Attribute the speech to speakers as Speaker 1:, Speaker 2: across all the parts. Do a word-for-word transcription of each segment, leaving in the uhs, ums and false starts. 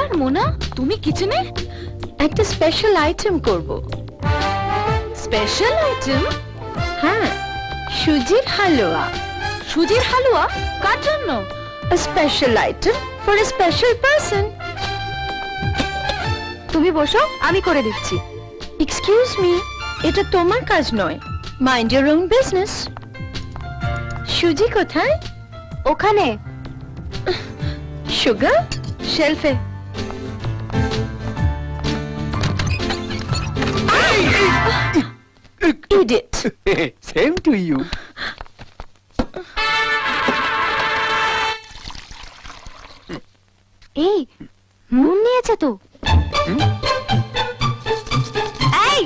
Speaker 1: আর মোনা, তুমি কিচেনে
Speaker 2: একটা স্পেশাল আইটেম করব।
Speaker 1: Special item?
Speaker 2: হ্যাঁ, সুজির হালুয়া।
Speaker 1: সুজির হালুয়া? কার জন্য?
Speaker 2: A special item for a special person.
Speaker 1: তুমি বসো, আমি করে দিচ্ছি।
Speaker 2: Excuse me, এটা তোমার কাজ নয়। Mind your own business. সুজি কোথায়?
Speaker 1: ওখানে
Speaker 2: সুগার?
Speaker 1: শেলফে।
Speaker 2: Idiot.
Speaker 3: Same to you.
Speaker 1: এই নুন নিয়েছে তো। এই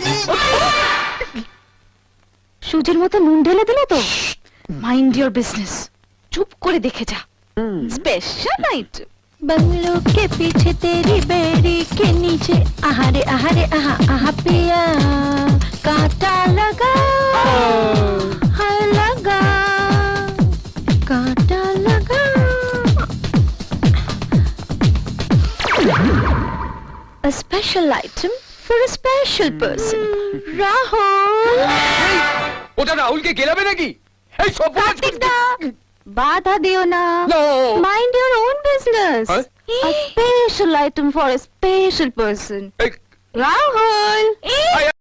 Speaker 1: সুজির মতো নুন ঢেলে দিলে তো। মাইন্ড ইওর বিজনেস, চুপ করে দেখে যা। Special item.
Speaker 2: बंगलों के पीछे तेरी बेड़ी के नीचे आहारे आहारे आहा आहा पिया कांटा लगा हाय लगा कांटा लगा। A special item for a special person. Rahul.
Speaker 3: ওটা রাহুলকে গেলাবে নাকি? এই সব
Speaker 1: কার্তিক দা, বাধা দিও না।
Speaker 3: No.
Speaker 1: Mind your own business.
Speaker 3: Huh?
Speaker 1: A special item for a special person.
Speaker 3: এই
Speaker 1: Rahul.